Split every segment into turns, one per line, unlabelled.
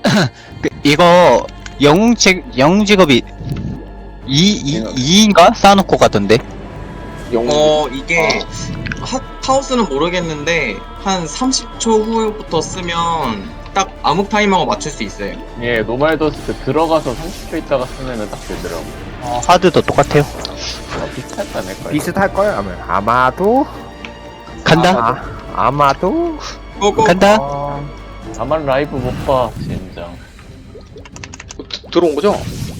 이거 영웅 직업이 2인가 쌓아놓고 가던데.
이게 카오스는 모르겠는데 한 30초 후부터 쓰면 딱 암흑 타이머가 맞출 수 있어요.
예, 노말더스트 들어가서 30초 있다가 쓰면은 딱 되더라고.
하드도 똑같아요.
비슷하지 않을까요?
비슷할걸? 아마도?
간다.
아마도?
고고.
간다.
나만 라이브 못 봐, 진짜.
들어온 거죠?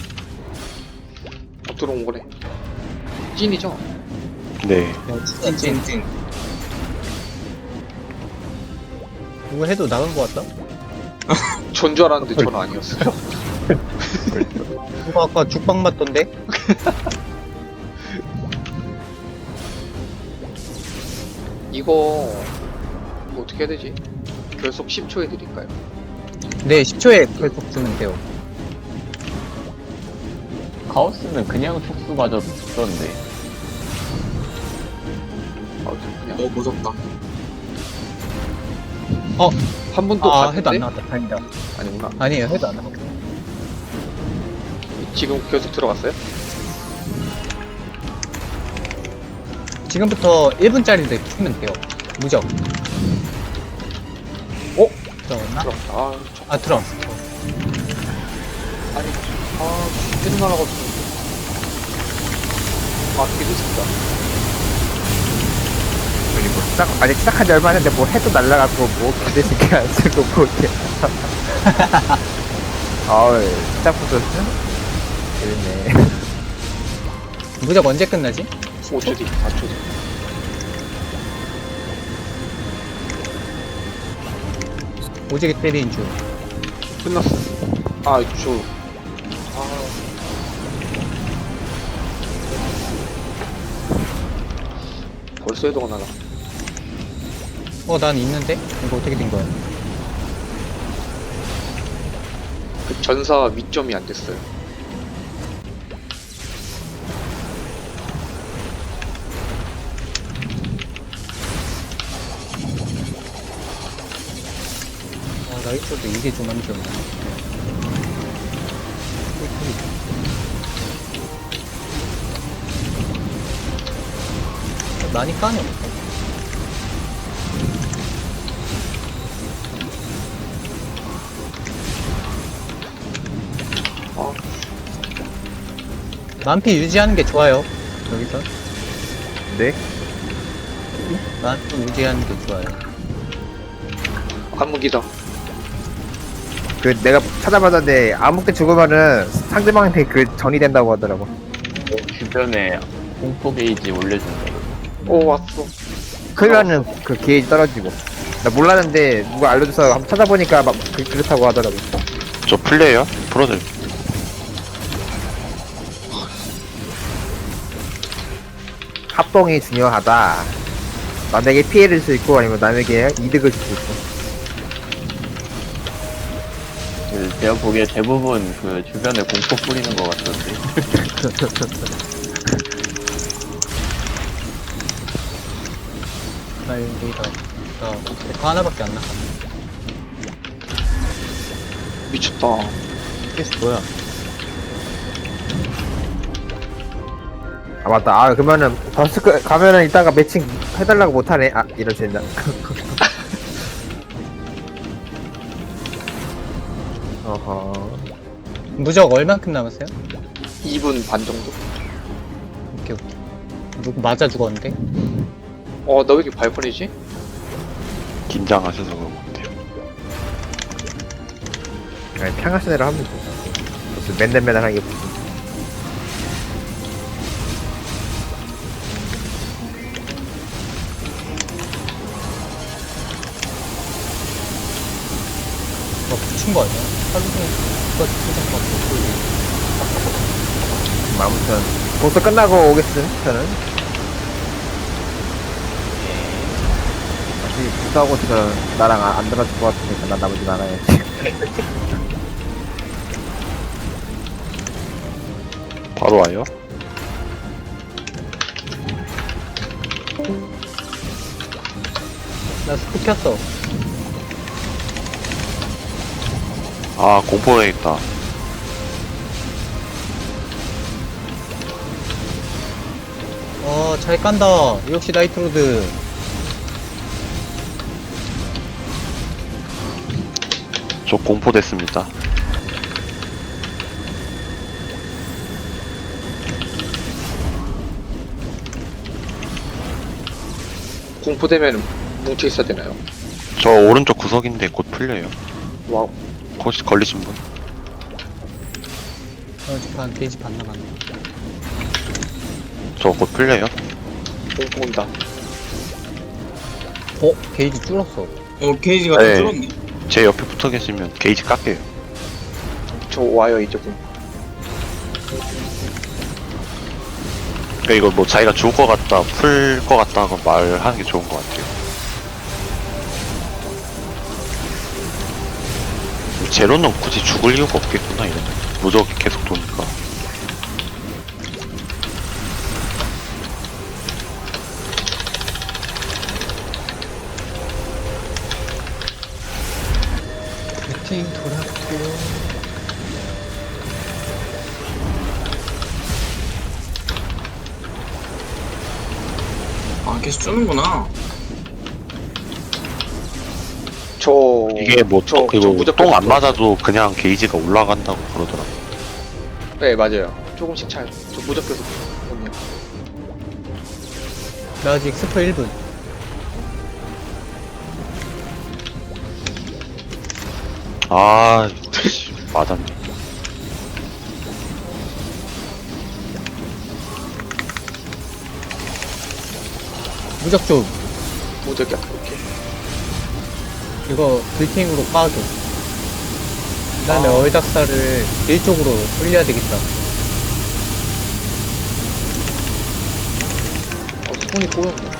들어온 거래. 찐이죠?
네.
찐찐찐.
이거 해도 나간 것 같다?
전 줄 알았는데 전 아니었어요.
이거 아까 죽방 맞던데?
이거 뭐 어떻게 해야 되지? 결속 10초 해드릴까요?
네, 10초에 계속 쓰면 돼요.
카오스는 그냥 촉수 맞아도 죽던데.
그냥
무섭다.
한 번도
아, 해도 안
봤는데?
나왔다. 다행이다.
아니구나.
아니에요, 해도 안 나왔다.
지금 결속 들어갔어요?
지금부터 1분짜리인데 쓰면 돼요. 무적. 들어갔나?
들어갔다. 아,
들어왔어.
아니, 계속 날아가지고. 되게 늦었다.
그리고 아직 시작한 지 얼마 안 됐는데 뭐 해도 날라가고 뭐 기대시게 안 쓰고 뭐 이렇게 시작부터 재밌네.
무적 언제 끝나지?
5초 뒤, 4초 뒤.
오지게 때리는 중.
끝났어. 벌써 해도가 나가.
난 있는데? 이거 어떻게 된 거야?
그 전사 위점이 안 됐어요.
나이트도 이게 좀 안 좋네. 많이 까네. 만피 유지하는 게 좋아요. 여기서
네?
만피 유지하는 게 좋아요.
암흑이다.
그 내가 찾아봤는데 아무때 죽으면은 상대방한테 그 전이 된다고 하더라고.
주변에 공포 게이지 올려준다고.
왔어.
그러면은 그 게이지 떨어지고. 나 몰랐는데 누가 알려줘서 한번 찾아보니까 막 그렇다고 하더라고.
저 플레이어? 프로들.
합동이 중요하다. 남에게 피해를 줄 수 있고 아니면 남에게 이득을 줄 수 있고.
제가 보기에 대부분 그 주변에 공포 뿌리는 것 같던데.
여기다 데카 하나밖에 안 나가.
미쳤다.
그래서 뭐야?
아 맞다. 그러면은 버스크 가면은 이따가 매칭 해달라고 못하네. 이럴 수 있나? 어허.
무적 얼만큼 남았어요?
2분 반 정도?
오케이. 누구 맞아 죽었는데?
나 왜 이렇게 발판이지?
긴장하셔서 그런 것 같아요.
아니, 평화시대로 하면 돼. 무슨 맨날 하는 게 무슨.
붙인 거 아니야? 하루 종일 누가 붙인 거 같고.
아무튼 벌써 끝나고 오겠음 저는. 다시 부사하고 나랑 안 들어줄 것 같으니까 난 나머지 나가야지.
바로 와요?
나 스틱 켰어.
아, 공포에 있다.
잘 깐다. 역시 나이트로드.
저 공포됐습니다.
공포되면 뭉쳐 있어야 되나요?
저 오른쪽 구석인데 곧 풀려요.
와우.
혹시 걸리신 분?
반 게이지 반 남았네.
저 곧 풀려요.
공포 온다.
게이지 줄었어.
게이지가
네.
좀 줄었네.
제 옆에 붙어 계시면 게이지 깎여요.
저 와요 이제 공.
그러니까 이거 뭐 자기가 죽을 것 같다, 풀 것 같다 하고 말하는 게 좋은 것 같아요. 제로는 굳이 죽을 이유가 없겠구나, 이러면. 무적이 계속 도니까.
배팅 돌았고.
계속 주는구나.
저
이게 뭐,
저
그리고
무조건
똥 안
그거-
맞아도 그냥 게이지가 올라간다고 그러더라고.
네 맞아요. 조금씩 차요. 저 무적해서 오네요.
나 아직 스포 1분.
아, 씨, 맞았네.
무적 좀.
무적이야. 오케이.
이거 불팅으로 까줘. 그 다음에 얼닥사를 일쪽으로 돌려야 되겠다.
손이 꼬였네.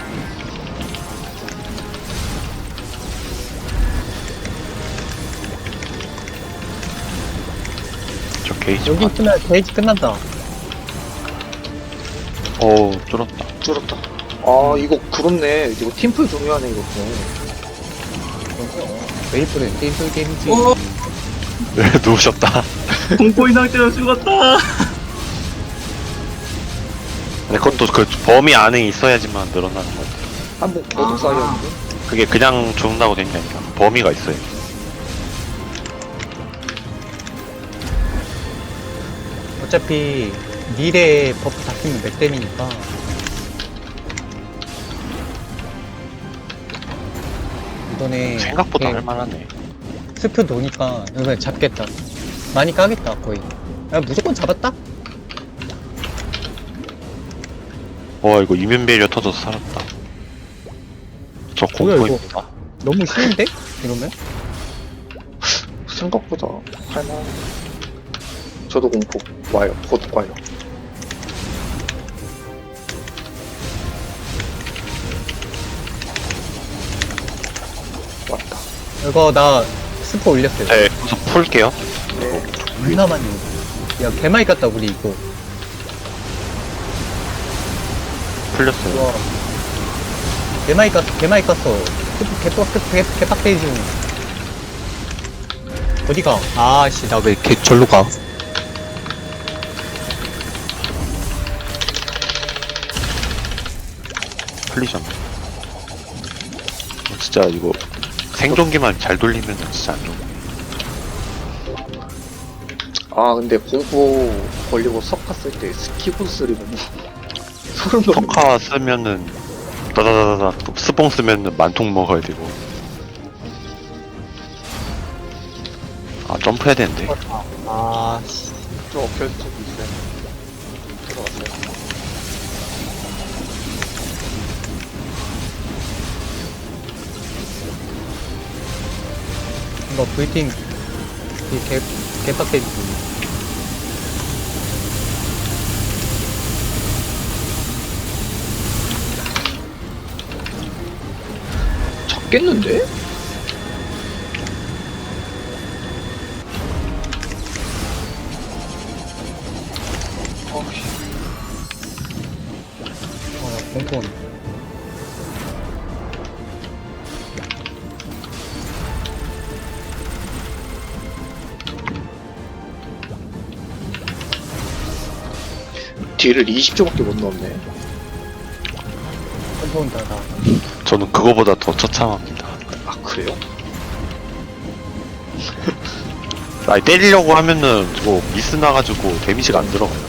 저 게이지.
여기 있으면 게이지 끝난다.
뚫었다.
줄었다. 아 이거 그렇네. 이거 팀플 중요하네 이것도.
메이플은 게임 속 게임이지.
네, 누우셨다.
공포인 상태로 죽었다.
근데 그것도 그 범위 안에 있어야지만 늘어나는 것 같아요.
한번 거듭 쌓였는데.
그게 그냥 죽는다고 된 게 아니라 범위가 있어요.
어차피 미래에 버프 다 끼면 맥댐이니까. 이번에
생각보다
이렇게
할만하네.
스프 도니까 이번에 잡겠다. 많이 까겠다 거의. 야, 무조건 잡았다?
이거 이면배리어 터져서 살았다. 저
뭐야, 이거?
공포입니다.
너무 쉬운데? 이러면?
생각보다 할만. 저도 공포 와요. 곧 와요. 왔다.
이거 나 스프 올렸어요.
네, 그래서 풀게요.
얼마 만에. 야, 개 많이 깠다 우리 이거.
풀렸어요.
와. 개 많이 깠어, 개 많이 깠어. 스프 개빡대지. 어디가? 아씨, 나 왜 개 절로 가?
풀리잖아. 진짜 이거 생존기만 잘 돌리면 진짜 안 좋네.
아 근데 공포 걸리고 석화 쓸 때 스키브 쓰리는 소름 돋는.
석화 쓰면은 다다다다다 또 스봉 쓰면은 만통 먹어야 되고. 아, 점프해야 되는데.
아씨.
저 결투 있어요. 들어갔어요.
이거 브이팅 개빡대지.
잡겠는데?
공포.
딜을 20초밖에 못 넣었네.
컴파운드다.
저는 그거보다 더 처참합니다.
아 그래요?
아니 때리려고 하면은 뭐 미스 나가지고 데미지가 안 들어가요.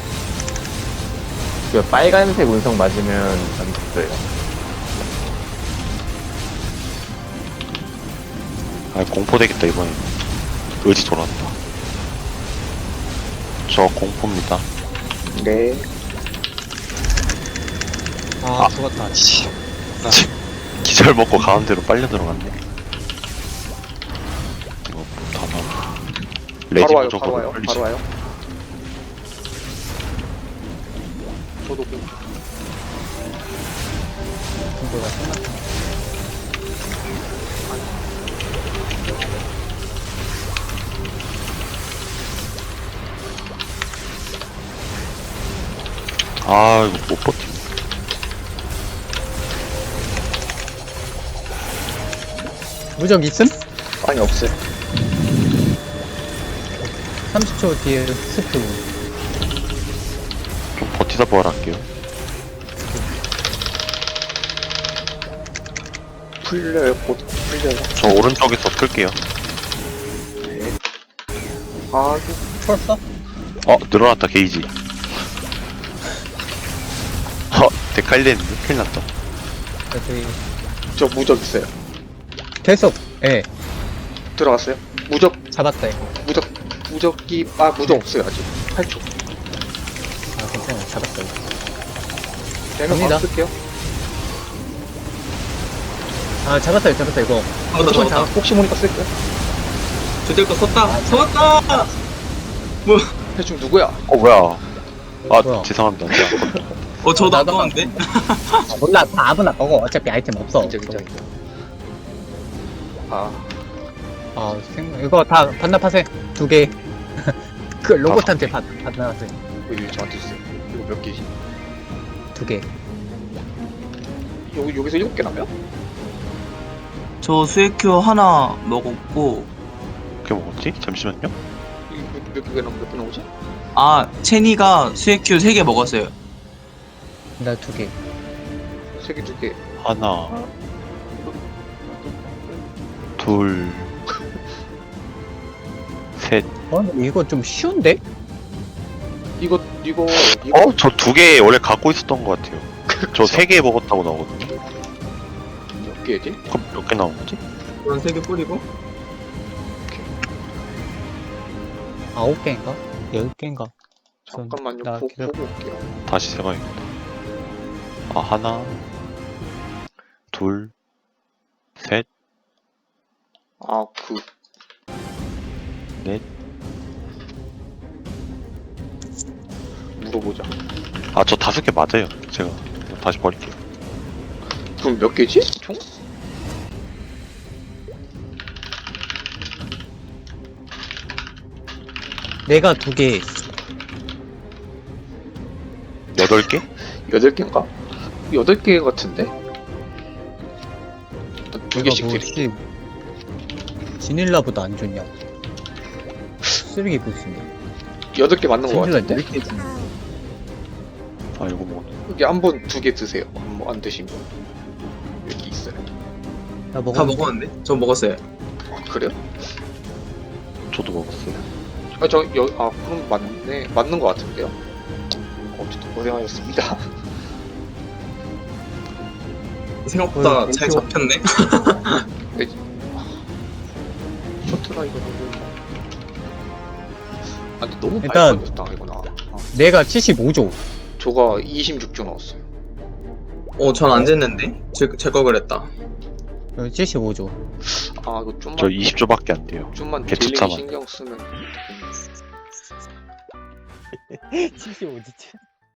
그 빨간색 운석 맞으면 안 됐어요.
아 공포 되겠다 이번에. 의지 돌았다. 저 공포입니다.
네.
아, 죽었다.
기절 먹고 가운데로 빨려 들어갔네. 이거 다 나와. 레지
바로 와요.
무조건
바로 와요.
빨리지.
바로 와요. 저도 공.
중도가 끝났다.
아 이거 못 버티.
무적 있음?
아니 없어요.
30초 뒤에 스프.
좀 버티다 부활할게요.
풀려요. 곧 풀려요.
저 오른쪽에서 풀게요.
네. 아
풀었어?
늘어났다 게이지. 데칼리했는데 큰일 났다.
저기
저 무적 있어요.
계속 예
들어갔어요. 무적
잡았다 이거.
무적이 무적 없어요 아직. 8초.
아 괜찮아 잡았어 이거.
되면
갑니다.
바로 쓸게요.
아 잡았다 이거.
잡았다.
혹시 모르니까 쓸게요.
저들 거 썼다. 썼다.
대충 누구야?
뭐야.
뭐야.
죄송합니다.
저도
나도
아까운데.
아, 몰라 다 아무나 먹어. 어차피 아이템 없어.
진짜. 아
이거 다 반납하세요. 2개. 그 로봇한테 반납하세요.
이거 저한테 주세요. 이거 몇 개지?
2개.
여기서 7개 나면?
저 수액큐 하나 먹었고,
어떻게 먹었지? 잠시만요.
몇 개 나오지?
체니가 수액큐 3개 먹었어요.
나 2개.
3개 2개.
하나, 둘, 셋.
근데 이거 좀 쉬운데?
이거
저 2개 원래 갖고 있었던 것 같아요. 저 3개 먹었다고 나오거든요.
몇 개지?
그럼 몇 개 나온 거지?
그런 3개 뿌리고.
9개인가? 10개인가?
잠깐만요.
나 기다려.
보고 올게요.
다시 세봐야겠다. 하나, 둘, 셋, 넷.
물어보자.
저 5개 맞아요. 제가 다시 버릴게요.
그럼 몇 개지? 총?
내가 2개.
8개?
8개인가? 8개 같은데? 2개씩
뭐
드릴게요.
지닐라보다 안 좋냐? 쓰레기 보스인데.
8개 맞는 거
지닐라
같은데?
10개 주네.
이거 먹었네.
여기 한 번 2개 드세요. 안 드시면. 여기 있어요.
나
다
먹었는데?
먹었는데? 저 먹었어요.
그래요?
저도 먹었어요.
그럼 맞는 거 같은데요? 어쨌든 고생하셨습니다.
생각보다 잘 잡혔네.
셔틀아 이거 너무. 근데 너무
일단-
빨리 걸렸다 이거나.
내가 75조.
저가 26조 나왔어요.
전 안 쟀는데? 제 거 그랬다.
여기 75조.
이거 좀만.
저 20조밖에 안 돼요.
좀만
개투
딜링
참아.
신경 쓰면.
75조.